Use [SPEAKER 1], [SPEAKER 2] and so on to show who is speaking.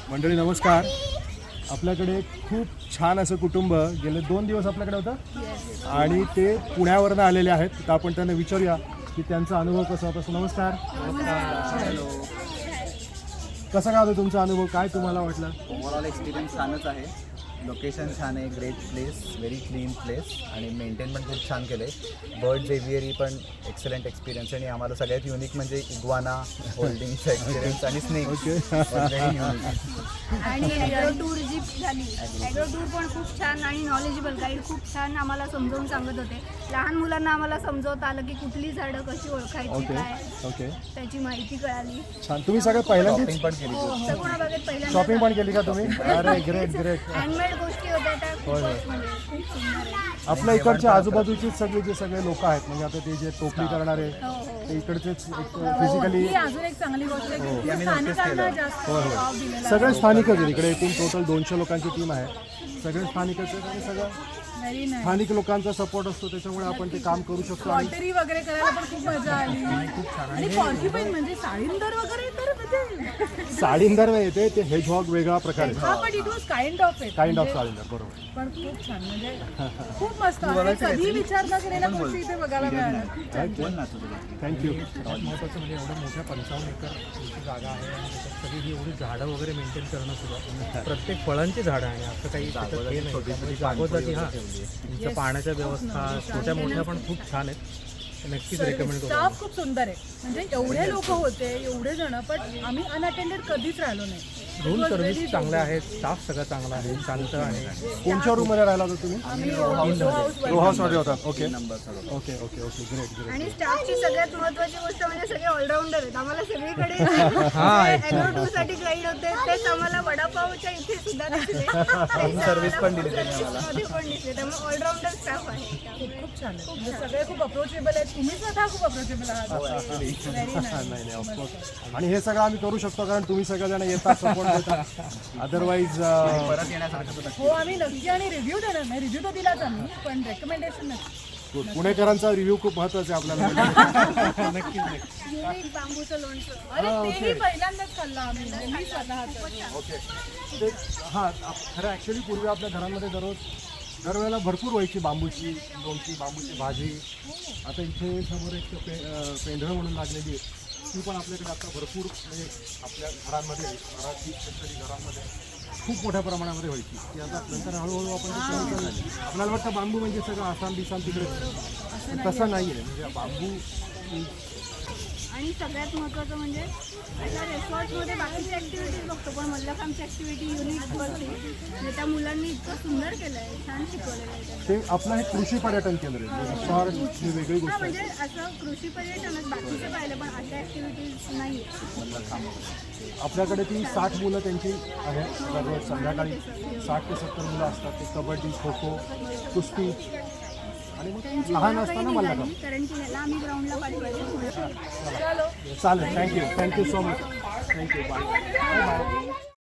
[SPEAKER 1] मंडळी नमस्कार. आपल्याकडे खूप छान असं कुटुंब गेले 2 दिवस आपल्याकडे होतं आणि ते पुण्यावरनं आलेले आहेत. तर आपण त्यांना विचारूया की त्यांचा अनुभव कसा होता. नमस्कार.
[SPEAKER 2] हॅलो.
[SPEAKER 1] कसा काय होता तुमचा अनुभव, काय तुम्हाला वाटलं?
[SPEAKER 2] ओव्हरऑल एक्सपिरियन्स छानच आहे. लोकेशन छान आहे, great place, very clean place आणि मेंटेन पण खूप छान केलं आहे. बर्ड्स एव्हियरी पण एक्सलंट एक्सपिरियन्स आणि आम्हाला सगळ्यात युनिक म्हणजे इग्वाना होल्डिंगचा एक्सपिरियन्स आणि स्नेक. Very unique.
[SPEAKER 3] आणि ॲग्रो टूर जी झाली, ॲग्रो टूर पण खूप छान आणि नॉलेजेबल गाईड खूप छान आम्हाला समजावून सांगत होते. लहान मुलांना आम्हाला समजवता आलं की कुठली झाडं कशी ओळखायची, काय त्याची माहिती कळाली.
[SPEAKER 1] छान. तुम्ही सगळं पहिल्यांदाच
[SPEAKER 2] शॉपिंग पण केली.
[SPEAKER 3] सगुणा बागेत पहिल्यांदा
[SPEAKER 1] शॉपिंग पण केली का तुम्ही? अरे ग्रेट ग्रेट.
[SPEAKER 3] हँडमेड गोष्टी होत्या त्या खूपच म्हणजे खूप सुंदर आहे.
[SPEAKER 1] आपल्या इकडच्या आजूबाजूचे सगळे लोक आहेत, म्हणजे आता ते जे टोपली करणारे
[SPEAKER 3] हो हो
[SPEAKER 1] ते इकडचेच फिजिकली
[SPEAKER 4] ही अजून एक चांगली गोष्ट आहे की तुम्ही स्थानिकांना जास्त वाव दिलेला
[SPEAKER 1] सगळे स्थानिकच आहेत. इकडे एकूण टोटल 200 लोकांची टीम आहे. सगळे स्थानिकच आहेत आणि सगळं
[SPEAKER 4] व्हेरी नाईस.
[SPEAKER 1] स्थानिक लोकांचा सपोर्ट असतो, त्याच्यामुळे आपण ते काम करू शकतो. आणि
[SPEAKER 4] पॉटरी वगैरे करायला पण खूप मजा आली आणि पॉर्क्युपाईन म्हणजे साळींदर वगैरे तर म्हणजे
[SPEAKER 1] साडींदर नाही येते, ते हेजहॉग वेगळा प्रकार
[SPEAKER 4] हा
[SPEAKER 1] आहे.
[SPEAKER 4] पण it was kind of it
[SPEAKER 1] kind of साडींदर, बरोबर.
[SPEAKER 4] पण खूप छान म्हणजे खूप मस्त आहे. कधी विचार न केलेल्या गोष्टी इथे बघायला मिळाल्या. खूप छान.
[SPEAKER 1] थँक्यू.
[SPEAKER 5] सगळ्यात महत्त्वाचं म्हणजे एवढ्या मोठ्या 55 एकर जागा आहे आणि त्याच्यात सगळी ही एवढी झाडं वगैरे मेंटेन करणं सुद्धा प्रत्येक फळांची झाडं आहे. असं काही त्याच्यात हे नाही. त्यामुळे जागोजागी तुमच्या पाण्याच्या व्यवस्था छोट्या मोठ्या पण खूप छान आहेत. नक्कीच रेकमेंड करू.
[SPEAKER 4] स्टाफ खूप सुंदर आहे. म्हणजे एवढे लोक होते, एवढे जण, पण आम्ही अनअटेंडेड कधीच राहिलो नाही.
[SPEAKER 5] रूम सर्व्हिस चांगल्या आहेत, स्टाफ सगळं चांगला आहे, शांत आहे.
[SPEAKER 1] कोणत्या रूममध्ये राहिला होता तुम्ही?
[SPEAKER 4] आम्ही रो
[SPEAKER 1] हाऊसमध्ये होतात. Okay
[SPEAKER 2] number
[SPEAKER 1] okay okay okay great great.
[SPEAKER 3] आणि स्टाफची सगळ्यात महत्त्वाची गोष्ट म्हणजे सगळे ऑलराऊंडर आहेत. आम्हाला सगळीकडे ॲग्रो टूर साठी गाईड होते, तेच आम्हाला वडापावच्या इथे सुद्धा दिसले.
[SPEAKER 2] सर्व्हिस पण दिली त्यांनी आम्हाला.
[SPEAKER 3] मध्ये पण दिसले. त्यामुळे ऑलराऊंडर स्टाफ आहे.
[SPEAKER 4] खूप छान आहे. म्हणजे सगळे खूप अप्रोचेबल आहेत. तुम्ही स्वतः खूप अप्रोचेबल आहात. व्हेरी
[SPEAKER 1] नाही नाही ऑफकोर्स. आणि हे सगळं आम्ही करू शकतो कारण तुम्ही सगळेजण येतात, सपोर्ट देता. अदरवाईज
[SPEAKER 2] परत येण्यासारखं
[SPEAKER 4] हो, आम्ही नक्की आणि रिव्ह्यू देणार नाही. रिव्ह्यू तर दिलाच आम्ही, पण रेकमेंडेशन नक्की.
[SPEAKER 1] पुणेकरांचा रिव्ह्यू खूप महत्त्वाचा आहे आपल्याला.
[SPEAKER 5] नक्कीच नक्की.
[SPEAKER 3] युनिक बांबूचं लोणचं.
[SPEAKER 4] अरे तेही पहिल्यांदाच खाल्लं आम्ही. मी स्वतः
[SPEAKER 1] ओके. ते हां, खरं ॲक्च्युली पूर्वी आपल्या घरांमध्ये दरवेळेला भरपूर व्हायची बांबूची लोणची, बांबूची भाजी. आता इथे समोर एक पेंढरं म्हणून लागलेली आहे, ती पण आपल्याकडे आता भरपूर म्हणजे आपल्या घरांमध्ये, मराठी स्पेशली घरांमध्ये खूप मोठ्या प्रमाणामध्ये व्हायची. ती आता नंतर हळूहळू आपण ते कमी केलं. आपल्याला वाटतं बांबू म्हणजे सगळं आसाम बिसाम तिकडे, तसं नाही आहे. म्हणजे बांबू
[SPEAKER 3] आणि सगळ्यात महत्त्वाचं म्हणजे आता रेसॉर्टमध्ये बाकीची ॲक्टिव्हिटीज बघतो, पण मल्लखांबची ॲक्टिव्हिटी युनिक बघते. म्हणजे त्या मुलांनी इतकं सुंदर केलं आहे, छान शिकवलेलं आहे त्यांना.
[SPEAKER 1] ते आपलं हे कृषी पर्यटन केंद्र आहे. रिसॉर्ट ही वेगळी गोष्ट
[SPEAKER 3] हां,
[SPEAKER 1] आहे.
[SPEAKER 3] म्हणजे असं कृषी पर्यटनच बाकीचे पाहिलं, पण अशा ॲक्टिव्हिटीज नाही आहेत.
[SPEAKER 1] आपल्याकडे ती 60 मुलं त्यांची आहेत. दररोज संध्याकाळी 60 ते 70 मुलं असतात. ते कबड्डी, खो खो, कुस्ती आणि मग
[SPEAKER 3] त्यांची
[SPEAKER 1] लहान
[SPEAKER 3] ओळखही
[SPEAKER 1] असताना मला
[SPEAKER 3] निघाली, कारण की ह्याला आम्ही ग्राउंडला पाठवायचे.
[SPEAKER 1] चालेल. Thank you so much. Thank you. Bye bye.